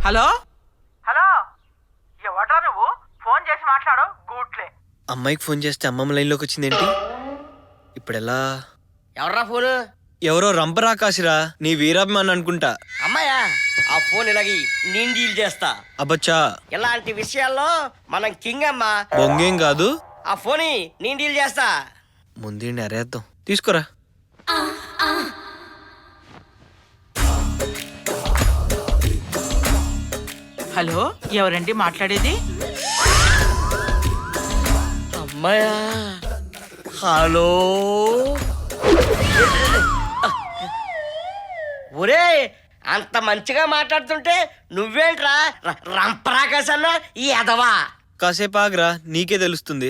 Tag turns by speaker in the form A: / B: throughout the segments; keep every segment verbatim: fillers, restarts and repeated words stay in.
A: Hello
B: hello, ఎవడ్రా నువ్వు? Phone చేసి మాట్లాడు. గూట్లే.
C: అమ్మాయికి ఫోన్ చేస్తే అమ్మమ్మ లైన్లోకి వచ్చిందేంటి? ఇప్పుడు ఎలా?
D: ఎవర్రా ఫోను?
C: ఎవరో రంపరాకాశిరా, నీ వీరాభిమాన్ అనుకుంటా.
D: అమ్మాయా? ఆ ఫోన్ ఇలాగి నేను డీల్ చేస్తా.
C: అబ్బచ్చా,
D: ఇలాంటి విషయాల్లో మనం కింగ్ అమ్మా.
C: బొంగేం కాదు.
D: ఆ ఫోన్ నేను డీల్ చేస్తా.
C: ముందు అరేద్దాం. తీసుకోరా.
A: హలో, ఎవరండి మాట్లాడేది?
D: అమ్మాయా? హలో. ఒరే, అంత మంచిగా మాట్లాడుతుంటే నువ్వేంట్రా రంపరాకాశన్నా ఈ ఎదవా?
C: కాసేపు ఆగరా, నీకే తెలుస్తుంది.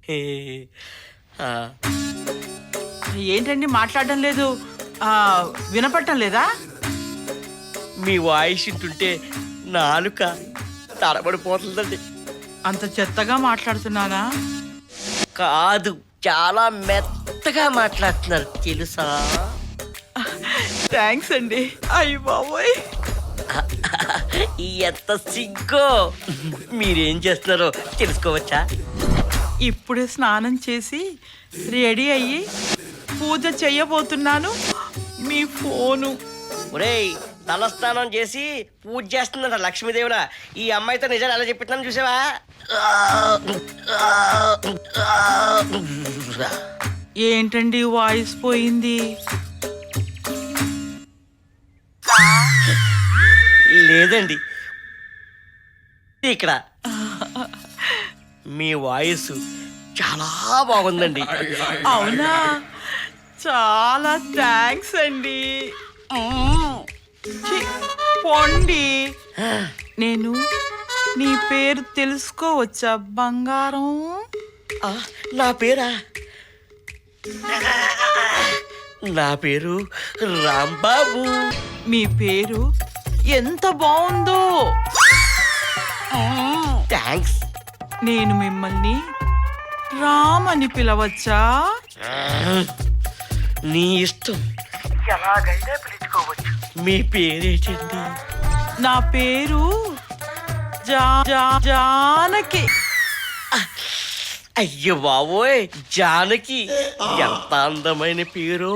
A: ఏంటండి మాట్లాడడం లేదు? ఆ, వినపడటం లేదా?
D: మీ వాయిస్ ఇంటుంటే నాలుక తడబడిపోతుందండి.
A: అంత చెత్తగా మాట్లాడుతున్నానా?
D: కాదు, చాలా మెత్తగా మాట్లాడుతున్నారు తెలుసా?
A: థ్యాంక్స్ అండి. అయ్య బాబోయ్,
D: ఎంత సిగ్గో. మీరేం చేస్తున్నారో తెలుసుకోవచ్చా?
A: ఇప్పుడే స్నానం చేసి రెడీ అయ్యి పూజ చెయ్యబోతున్నాను. మీ ఫోను.
D: ఒరేయ్, తలస్నానం చేసి పూజ చేస్తుందంట లక్ష్మీదేవుల. ఈ అమ్మాయితో నిజాలు ఎలా చెప్పిస్తున్నాను చూసావా?
A: ఏంటండి వాయిస్ పోయింది?
D: లేదండి, ఇక్కడ మీ వాయిస్ చాలా బాగుందండి.
A: అవునా? చాలా థ్యాంక్స్ అండి. ఛీ, పోండి. నేను నీ పేరు తెలుసుకోవచ్చా బంగారం?
D: ఆ, నా పేరా? నా పేరు రాంబాబు.
A: మీ పేరు ఎంత బాగుందో.
D: థ్యాంక్స్.
A: నేను మిమ్మల్ని రామ్ అని పిలవచ్చా?
D: నీ ఇష్టం,
B: ఎలాగైనా పిలుచుకోవచ్చు.
D: మీ పేరేంటండి?
A: నా పేరు జా జా జానకి.
D: అయ్యో బాబోయ్, జానకి ఎంత అందమైన పేరు.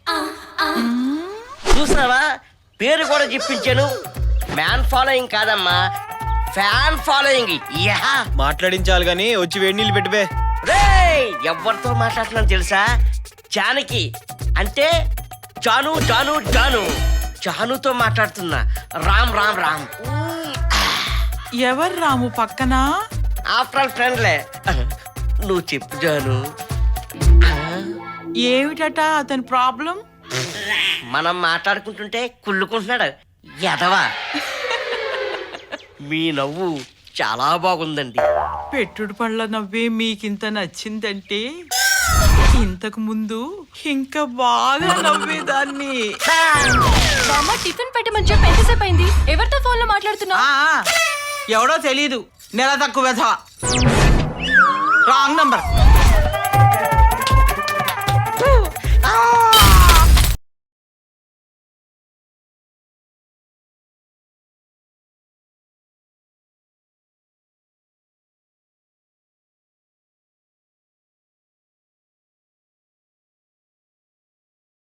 D: చూసావా, పేరు కూడా చెప్పించాను. మ్యాన్ ఫాలోయింగ్ కాదమ్మా, ఫ్యాన్ ఫాలోయింగ్. యా,
C: మాట్లాడించాలి గానీ వచ్చి వేడి నీళ్ళు పెట్టివే.
D: రేయ్, ఎవరితో మాట్లాడుతున్నాను తెలుసా? జానకి అంటే జాను జాను జాను. జానుతో మాట్లాడుతున్నా. రామ్ రామ్ రామ్.
A: ఎవరు రాము పక్కన?
D: ఆఫ్టర్ ఆల్ ఫ్రెండ్లే. నువ్వు చెప్పు జాను.
A: ఏమిటట అతని ప్రాబ్లం?
D: మనం మాట్లాడుకుంటుంటే కుళ్ళుకుంటున్నాడు ఎదవా. మీ నవ్వు చాలా బాగుందండి.
A: పెట్టుడు పళ్ళ నవ్వే మీకింత నచ్చిందంటే ఇంతకు ముందు ఇంకా బాగా నవ్వేదాన్ని.
E: బామ్మ, టిఫిన్ పెట్టమని చెప్పి ఎంతసేపు అయింది? ఎవరితో ఫోన్ లో మాట్లాడుతున్నా?
A: ఆ, ఎవడో తెలీదు, నెల తక్కువ వెధవ. Wrong number.